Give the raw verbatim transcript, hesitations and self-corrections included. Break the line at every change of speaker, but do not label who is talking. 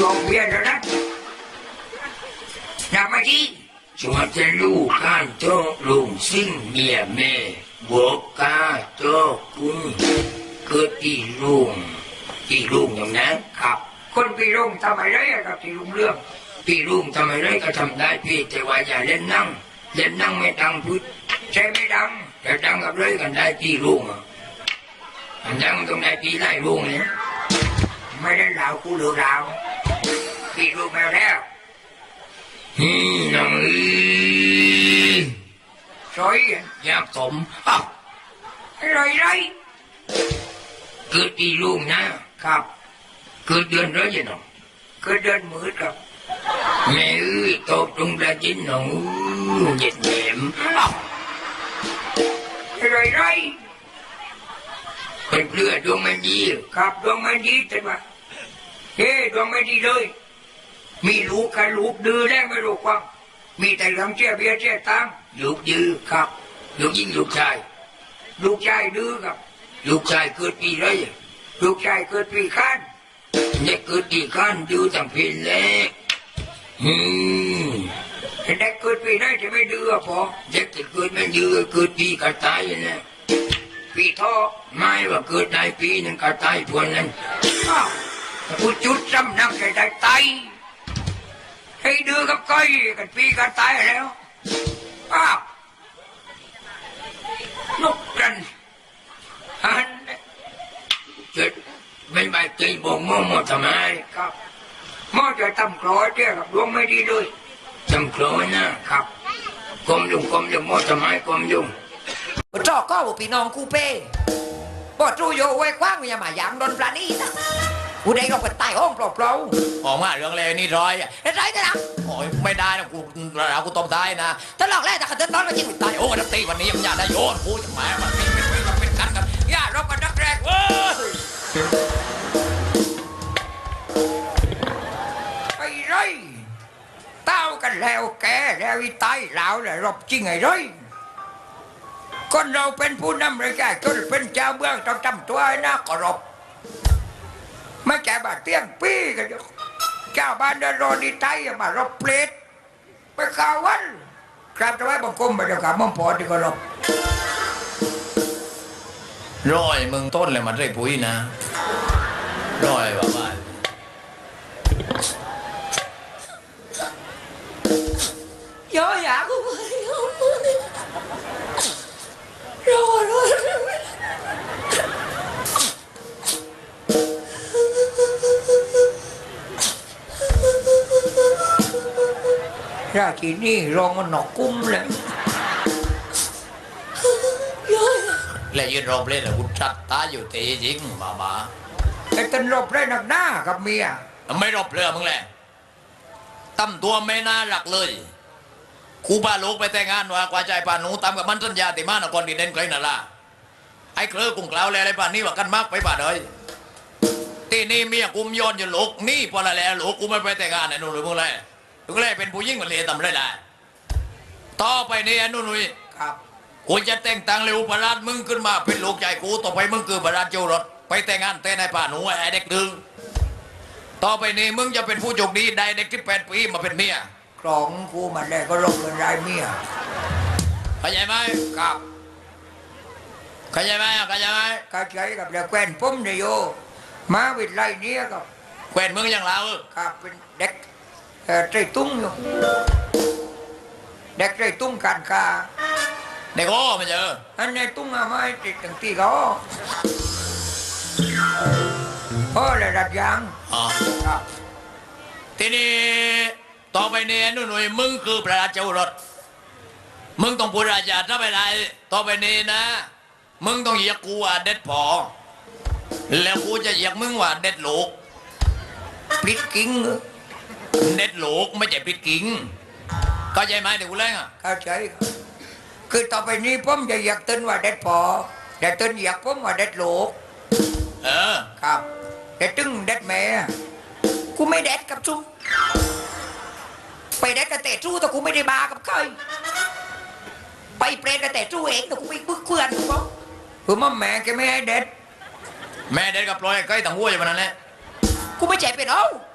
องเบียนแล้วนะนับมาทีชวนจะลูกข้านโตลุงซิ่งเมียแม่บวกกาโตกุ้งเกิดที่ลุงที่ลุงอย่างนั้นครับคนพี่ลุงทำอะไรกับที่ลุงเรื่องพี่ลุงทำอะไรก็ทำได้พี่แต่ว่าอย่าเล่นนั่งเล่นนั่งไม่ดังพุทธใช่ไม่ดังแต่ดังกับเลยกันได้พี่ลุงอันดังตรงไหนพี่ไล่ลุงเนี่ยไม่ได้ดาวกูเหลือดาวพี่ลุงมาแล้วฮึน้องอีสวยอยากสมอ้าวอะไรไรเกิดที่ลุงนะครับเกิดเดือนอะไรน้องเกิดเดือนมืดครับแม่เอ้ยตกตรงประจินน้องเย็นเย็นอ้าวอะไรไรเป็นเพื่อดวงมันดีครับดวงมันดีแต่ว่าเฮ้ดวงมันดีเลยมีลูกกับลูกดื้อแล้วไม่รู้ความมีแต่ลำเชี่ยเบี้ยเชี่ยตังลูกดื้อครับลูกยิ่งลูกชายลูกชายดื้อครับลูกชายเกิดปีไรลูกชายเกิดปีข้านเนี่ยเกิดปีข้านดื้อตั้งเพลนแล้วฮึมเด็กเกิดปีไรจะไม่ดื้อพอเด็กจะเกิดไม่ดื้อเกิดปีกระต่ายนะปีท่อไม่ว่าเกิดได้ปีหนึ่งกระต่ายพวกนั้นกูจุดจำนักได้ไตให้ดื้อกับก้อยกันปีกันตายแล้วอ้าวนกกันฮันเจ็ดไม่ใบตีบ่งมอมอทำไมครับมอจะทำคลอเจ้ากับดวงไม่ดีด้วยทำคลอนะครับกลมยุงกลมยุงมอทำไมกลมยุง
จอกก็บุปีน้องกูเป้บ่จูโยไว้คว้างอย่ามาอย่างโดนปลานี่นะกูได้ลงไปใต้ห้องเปล่า
ๆออกมาเรื่องเลยนี่ร้อย
เฮ้ยไรกันนะ
โอ้ยไม่ได้นะกูเรากูตบได้นะ
ถ้าหลอกแรกแต่ขัดเดินน้อยก็ยิงไปตาย
โอ้ยนักตีวันนี้ยังอยากได้โยนกูจะหมายมันเป็นเป็นเป็นกันกัน
ย่ารบกันนักแรกเว้ยไอ้ไรเต้ากันแล้วแกแล้วอีตายแล้วเลยรบจริงไอ้ไรคนเราเป็นผู้นำเลยแกจนเป็นเจ้าเมืองต้องจำตัวนะก็รบไม่แก่บาดเตี้ยงปีกันเจ้าบ้านเดินรอดีไตมารบเปรตไปข่าววันกราบถวายบังคมไปเดี๋ยวกับมั่งพอที่ก็รบ
ร้อยมึงต้นเลยมันได้ปุ๋ยนะร้อยบ้าบ้า
ย่ออยากกูไปรอรอราทีนี่รองมันหนอกกุ้มเลย
แล้วยืนรอบเล่นแล้วกูจัดตาอยู่ตีจริงบ้าบ้า
ไอ้ตันรบได้หนักหน้ากับเมีย
ไม่รบเลยมึงแหละตั้มตัวไม่น่ารักเลยครูพาลูกไปแต่งงานว่ากว่าใจป่าหนูตามกับมันสัญญาติมานครดินเด่นไกลนั่นล่ะไอ้เครือกุ้งกล่าวแล้วอะไรป่านนี้ว่ากันมากไปป่าเลยตีนี่เมียกุมย้อนอยู่ลูกนี่พอละแล้วลูกกูไม่ไปแต่งงานไอ้นุ่นหรือมึงเลยมึงเลยเป็นผู้ยิ่งมันเลยทำไรได้ต่อไปนี่ไอ้นุ่นนุ่ย
ครับ
กูจะแต่งตั้งเร็วประหลาดมึงขึ้นมาเป็นลูกใหญ่กูต่อไปมึงคือประหลาดเจ้ารถไปแต่งงานแต่ในป่าหนูไอ้เด็กดึงต่อไปนี้มึงจะเป็นผู้โชคดีได้เด็กที่แปดปีมาเป็นเมีย
ครองกูมันได้ก็ลงเงินรายเมีย
เข้าใจไหม
ครับ
เข้าใจไหมเข้าใจไหม
เข้าใจกับเด็กแควนปุ้มเดียวมาวิทย์ไรเนี้ยกับ
แควนมึงอย่างเรา
ครับเป็นเด็กเออใจตุ้งอยู่เด็กใจตุ้งการค้า
เด็กโอ้ไม่เจอ
อันนี้ตุ้งอะไรติดตั้งตีเขาโอ้เลยดัดยาง
อ๋อครับทีนี้ต่อไปนี้นุ่นหนุ่ยมึงคือประหลาดเจ้ารถมึงต้องพูดราชาถ้าไปได้ต่อไปนี้นะมึงต้องเหยียกกูว่าเด็ดพอแล้วกูจะเหยียกมึงว่าเด็ดหลูก
ปลิดกิ้ง
เด็ดหลูกไม่ใช่ปลิดกิ้งเข้าใจไหมเด็กกูเล่นอ่ะ
เข้าใจคือต่อไปนี้ผมจะเหยียกต้นว่าเด็ดพอแต่ต้นเหยียกผมว่าเด็ดหลูก
เออ
ครับแต่ตึงเด็ดแม่กูไม่เด็ดกับจุ๊ไปเด็ดกระเตะจู้แต่กูไม่ได้บากับใครไปเปรตกระเตะจู้เองแต่กูไม่บึกเพื่อนกูบอกคือมั่มแม่แกไม่ให้เด็ด
แม่เด็ดกับปล่อยใกล้ต่างหัวอยู่มันนั่นแหละ
กูไม่ใจเป็นเอา